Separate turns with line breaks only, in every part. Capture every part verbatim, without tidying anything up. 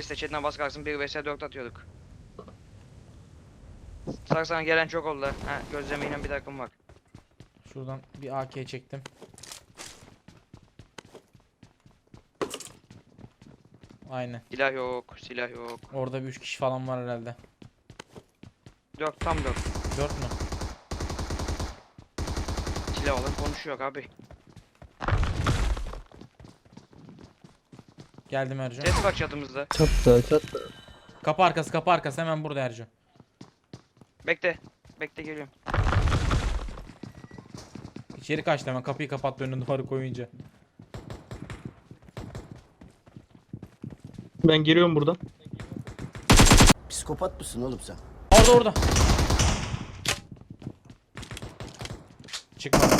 Paris'te chatten bas kalksın bir vs dört atıyorduk. Sarsana gelen çok oldu. Ha gözlemeyle bir takım bak.
Şuradan bir A K çektim. Aynen.
Silah yok, silah yok.
Orada bir üç kişi falan var herhalde.
Dört tam dört.
Dört mü?
Silah olan konuşuyor abi.
Geldim Ercan.
Ses bak çatımızda.
Çatla çatla.
Kapı arkası kapı arkası hemen burada Ercan.
Bekle. Bekle geliyorum.
İçeri kaçtı hemen, kapıyı kapattı önüne duvarı koyunca.
Ben giriyorum buradan.
Psikopat mısın oğlum sen?
Orada orada. Çıkmadım.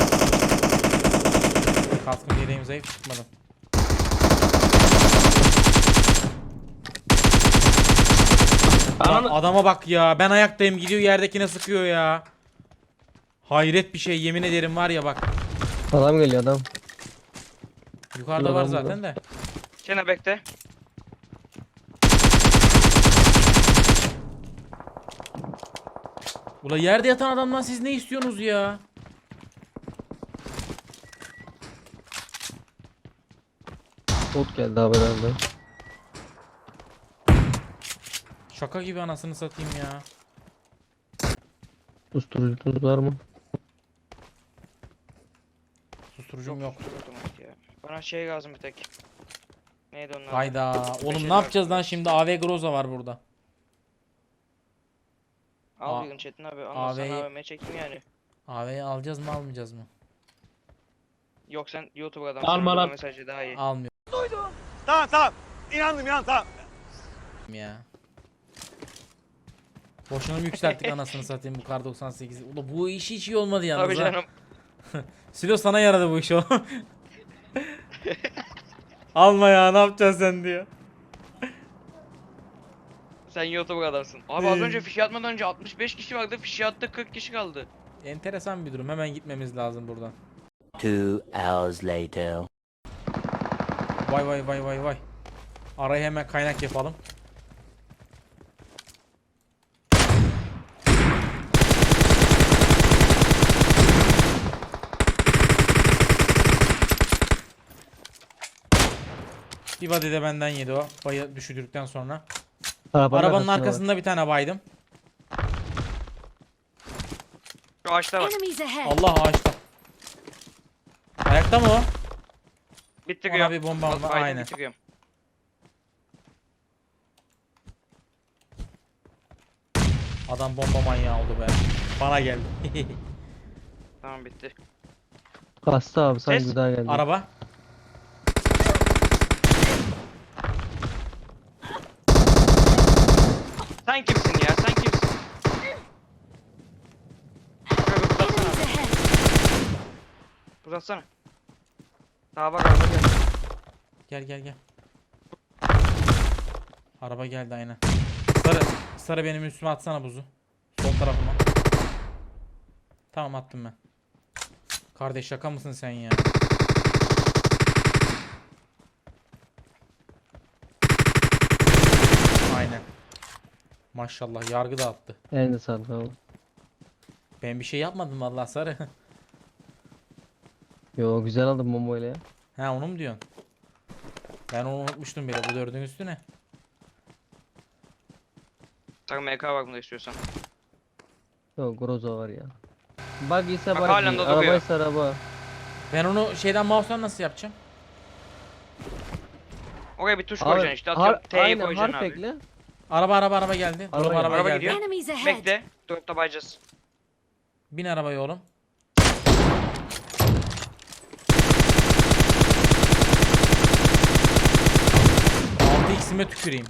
Kaskım yeleğim zayıf, çıkmadım. Lan adama bak ya, ben ayaktayım gidiyor yerdekine sıkıyor ya. Hayret bir şey, yemin ederim var ya bak.
Adam geliyor adam.
Yukarıda var
Adam
zaten
burada.
de.
Şena bekle.
Ula yerde yatan adamdan siz ne istiyorsunuz ya?
Bot geldi abi herhalde.
Şaka gibi anasını satayım ya.
Usturucunuz var mı?
Susturucum yok.
Otomatik ya. Bana şey lazım bir tek. Neydi onlar?
Hayda. Oğlum
Beşeri
ne yapacağız
var.
lan şimdi? A V Groza var burada.
Al
A-
bir gün Çetin abi.
A
Ondan
V'yi-
sonra A V M çekeyim yani.
A V'yi alacağız mı almayacağız mı?
Yok sen YouTuber adamsın.
Alma
Alma
lan.
mesajı daha iyi.
Almıyor
Tamam tamam. İnandım inan tamam.
ya. Boşuna mı yükselttik anasını satayım bu kar doksan sekiz. Ula bu iş hiç iyi olmadı yalnız
Tabii
ha.
canım.
Silo sana yaradı bu iş o. Alma ya, ne yapacaksın sen diyor.
Sen YouTuber adamsın. Abi az önce fişi atmadan önce altmış beş kişi vardı. Fişi attı kırk kişi kaldı.
Enteresan bir durum. Hemen gitmemiz lazım buradan.
Two hours later.
Vay vay vay vay vay. Araya hemen kaynak yapalım. Bir body de benden yedi o. Bayı düşürdükten sonra.
Arabanın,
Arabanın
arkasında var.
arkasında bir tane baydım.
Şu ağaçta bak.
Enemies ahead.
Allah ağaçta. Ayakta mı o?
Bitiriyorum.
Ona bir bomba var,
Aynen.
aynen.
Bitiriyorum.
Adam bomba manyağı oldu be. Bana geldi.
Tamam bitti.
Kastı abi sanki
Ses.
bir daha geldi.
Araba.
Sen kimsin ya? Sen kimsin? Şöyle bir uzatsana.
Enemies ahead.
Uzatsana. Daha bak araba gel.
Gel gel gel. Araba geldi aynen. Sarı, sarı benim üstüme atsana buzu. Sol tarafıma. Tamam attım ben. Kardeş şaka mısın sen ya? Aynen. Maşallah yargı da attı.
Elinde sağlık abi.
Ben bir şey yapmadım vallahi sarı.
Yo güzel aldım bombayla ya.
Ha onu mu diyorsun? Ben onu unutmuştum bile, bu dördün üstüne.
Sen M K var bunda istiyorsan.
Yo Groza var ya. Bug ise
Bak
bug.
halen de duruyor.
Arabaysa araba.
Ben onu şeyden mouse'dan nasıl yapacağım?
Oraya bir tuş
Abi,
koyacaksın işte. Atıyorum
har
T'yi
aynen
koyacaksın
harf
abi.
ekle.
Araba araba araba geldi.
Araba
Araba,
geldi.
araba,
Araba
geldi.
gidiyor.
Enemies ahead.
Bekle. Dropta bayacağız.
Bin arabaya oğlum. altı x'ime tüküreyim.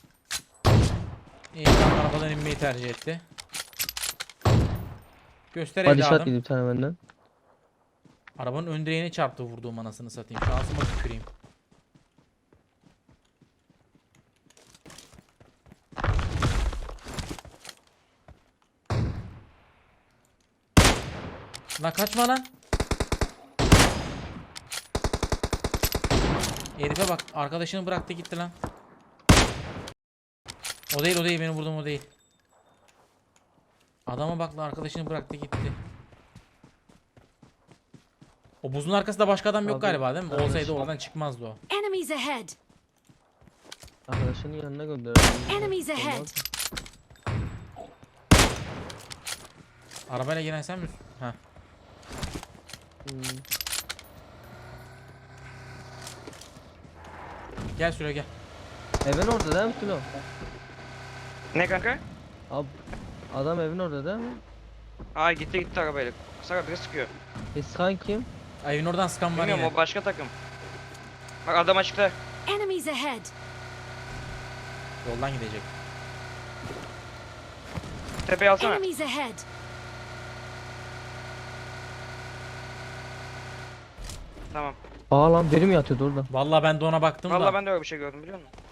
İyi, adam arabadan inmeyi tercih etti. Göster
Hadi şat
evladım.
gidip bir tane benden.
Arabanın ön direğine çarptı vurduğum anasını satayım. Şansıma tüküreyim. Lan kaçma lan. Herife bak, arkadaşını bıraktı gitti lan. O değil o değil benim vurduğum o değil. Adama bak lan arkadaşını bıraktı gitti. O buzun arkasında başka adam yok
Abi,
galiba değil mi?
arkadaşım-
Olsaydı oradan çıkmazdı o.
Enemies ahead!
Arkadaşının yanına gönderdim.
Enemies ahead!
Olmaz.
Arabayla gelen sen misin? Ha.
Hmm.
Gel şuraya gel.
Evin orada değil mi Tilo?
Ne kanka?
Abi adam evin orada değil mi?
Aa gitti gitti arabayla. Sara biri sıkıyor.
İskan kim?
Ay, evin oradan sıkan var
Bilmiyorum
yine.
o başka takım. Bak adam açıkta.
Enemies ahead!
Yoldan gidecek.
Tepeye alsana.
Enemies ahead!
Tamam.
Aa lan biri mi yatıyordu orada?
Vallahi ben de ona baktım
Vallahi
da.
ben de öyle bir şey gördüm biliyor musun?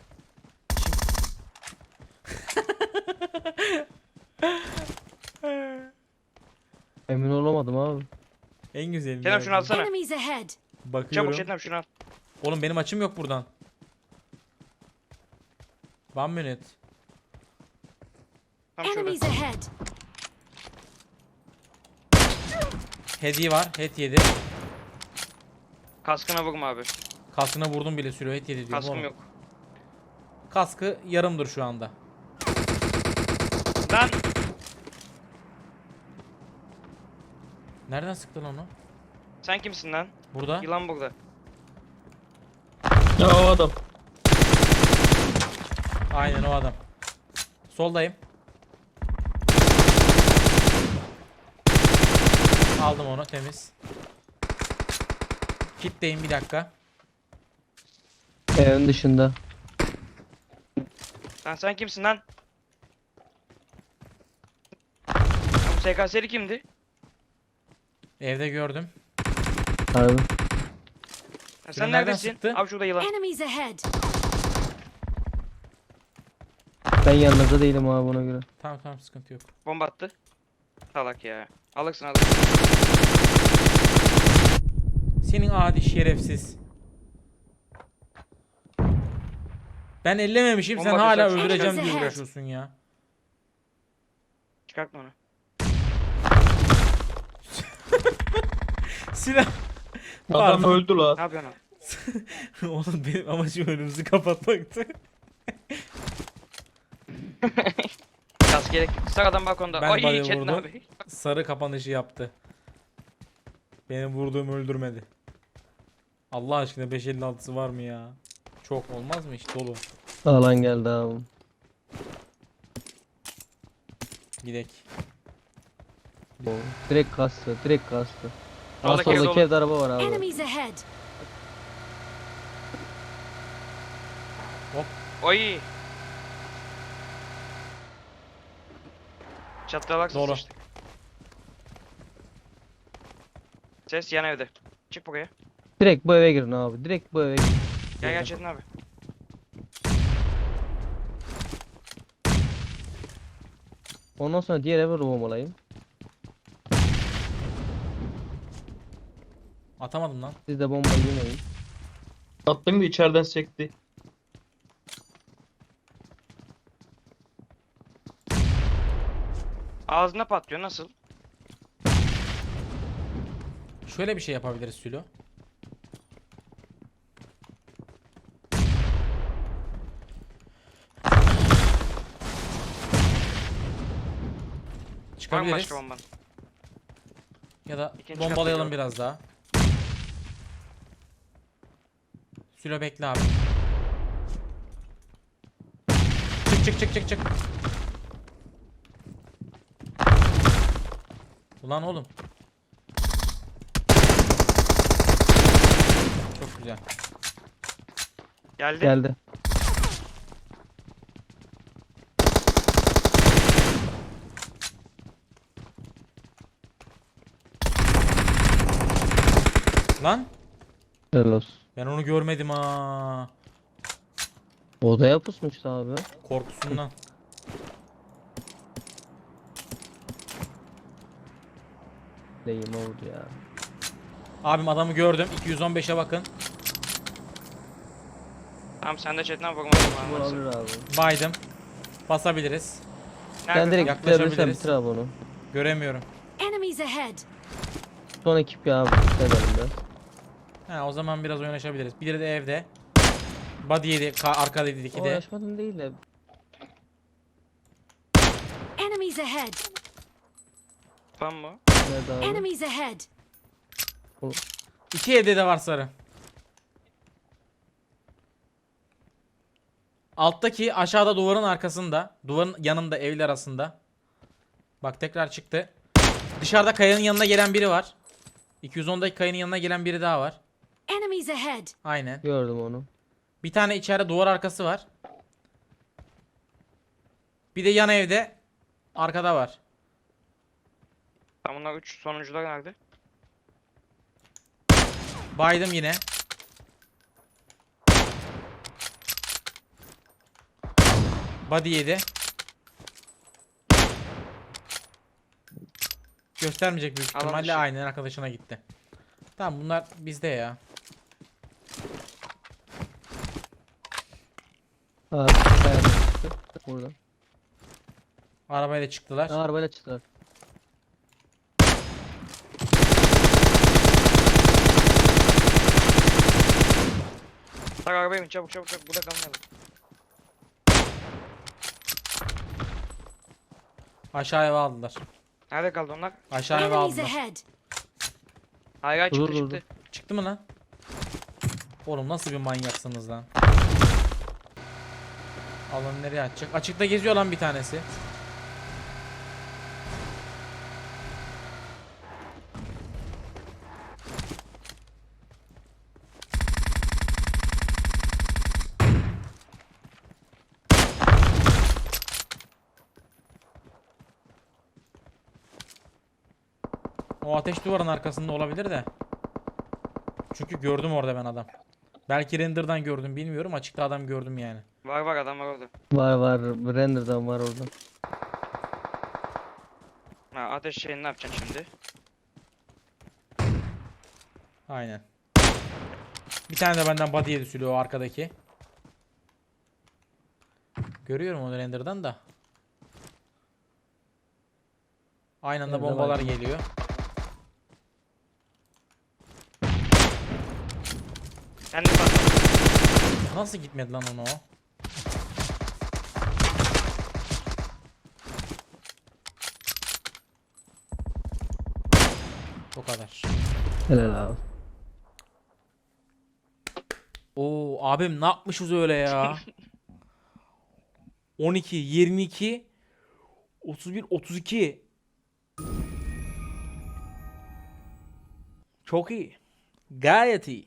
Emin olamadım abi.
En güzeli.
Kenan şunu alsana.
Enemies ahead!
Bakıyorum.
Çabuk Çetin abi şunu al.
Oğlum benim açım yok buradan. One minute.
Tam şurada.
Enemies ahead!
Hediye var. Head yedi.
Kaskına vurma abi.
Kaskına vurdum bile sürüyor. Head yedi diyor.
Kaskım
oğlum.
yok.
Kaskı yarımdır şu anda.
Lan.
Nereden sıktın onu?
Sen kimsin lan?
Burada.
Yılan burada.
Ya o adam.
Aynen o adam. Soldayım. Aldım onu temiz. Kitleyim bir dakika.
Evin dışında.
Lan sen kimsin lan? Lan bu S K S'li kimdi?
Evde gördüm.
Harbi.
Lan
Şunu
sen
nereden
neredesin?
sıktı?
Abi şurada yılan.
Enemies ahead!
Ben yanınızda değilim abi buna göre.
Tamam tamam sıkıntı yok.
Bomba attı. Salak ya. Alırsın alırsın.
Senin adi şerefsiz. Ben ellememişim sen
Bomba
hala
düşer.
öldüreceğim diye
Enemies
uğraşıyorsun ya.
Çıkartma onu.
Silah.
Adam
Pardon.
öldü la.
Ne yapıyorsun abi?
Oğlum benim amacım önümüzü kapatmaktı.
Kask gerek. Sağ adam balkonda.
Ben
Ay
bayağı
Çetin
vurdum.
abi.
Sarı kapanışı yaptı. Benim vurduğum öldürmedi. Allah aşkına beş elli altısı var mı ya? Çok olmaz mı hiç dolu.
Alan geldi abi.
Gidek.
O, direkt kastı, direkt kastı. Aa,
Soldaki ev
soldaki
dolu.
evde araba var abi.
Enemies ahead!
Oy. Çatlak
Doğru.
sıçtık. Ses yan evde. Çık buraya.
Direkt bu eve girin abi. Direkt bu eve girin.
Gel gel Çetin abi.
Ondan sonra diğer eve bombalayayım.
Atamadım lan.
Siz de bombayı yemeyin.
Attın da içeriden sekti.
Ağzına patlıyor nasıl?
Şöyle bir şey yapabiliriz Sülo.
Var mı
Çıkabiliriz.
başka bomban?
Ya da
İkinci
bombalayalım
katta
biraz daha. Sülo bekle abi. Çık çık çık çık çık. Ulan oğlum. Çok güzel.
Geldi.
Geldi.
Lan
Helal olsun.
ben onu görmedim ha.
Odaya pusmuştu abi.
Korkusundan.
Deyim oldu ya.
Abim adamı gördüm. iki yüz on beşe bakın.
Tamam sen de Çetin abi bakma.
Bu alır abi.
Baydım. Basabiliriz.
Sen
Nerede
direkt
tam?
bitirebilirsen
Yaklaşabiliriz.
bitir abi onu.
Göremiyorum.
Enemies ahead.
Son ekip ya abi. Bitirelim biraz.
Ha, o zaman biraz oynaşabiliriz. Biri de evde. Body yedi. Ka- arkada yedi iki
O
de.
yaşmadın değil de.
Enemies ahead.
Tam mı?
Nerede abi?
Enemies ahead.
İki evde de var sarı. Alttaki aşağıda duvarın arkasında. Duvarın yanında evler arasında. Bak tekrar çıktı. Dışarıda kayanın yanına gelen biri var. iki yüz ondaki kayanın yanına gelen biri daha var.
Enemies ahead.
Aynen.
Gördüm onu.
Bir tane içeride duvar arkası var. Bir de yan evde arkada var.
Tam bunlar üç sonuncular nerede?
Baydım yine. Body yedi. Göstermeyecek büyük
Alan
ihtimalle,
dışı.
aynen arkadaşına gitti. Tamam, bunlar bizde ya.
Abi kayada çıktı. Buradan.
Arabayla çıktılar.
Ha, arabayla çıktılar.
Tak arabaya bin çabuk çabuk çabuk, burada kalmayalım.
Aşağı eve aldılar.
Nerede kaldı onlar?
Aşağı eve
Enemies
aldılar.
ahead.
Hayır hayır,
Dur,
çıktı
dur,
çıktı.
Çıktı mı lan? Oğlum nasıl bir manyaksınız lan? Alanı nereye açacak? Açıkta geziyor lan bir tanesi. O ateş duvarın arkasında olabilir de. Çünkü gördüm orada ben adam. Belki render'dan gördüm bilmiyorum. Açıkta adam gördüm yani.
Var var, adam var orada.
Var var. Render'dan var orada.
Ha, ateş şeyini ne yapacaksın şimdi?
Aynen. Bir tane de benden body yedi sülü o arkadaki. Görüyorum onu render'dan da. Aynı anda
Nerede
bombalar
var?
geliyor.
Kendi patladı.
Nasıl gitmedi lan onu o? O kadar.
Helal abi.
Oo abim ne yapmışız öyle ya? on iki, yirmi iki, otuz bir, otuz iki. Çok iyi. Gayet iyi.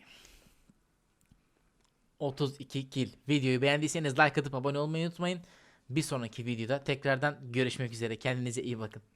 otuz iki kill. Videoyu beğendiyseniz like atıp abone olmayı unutmayın. Bir sonraki videoda tekrardan görüşmek üzere. Kendinize iyi bakın.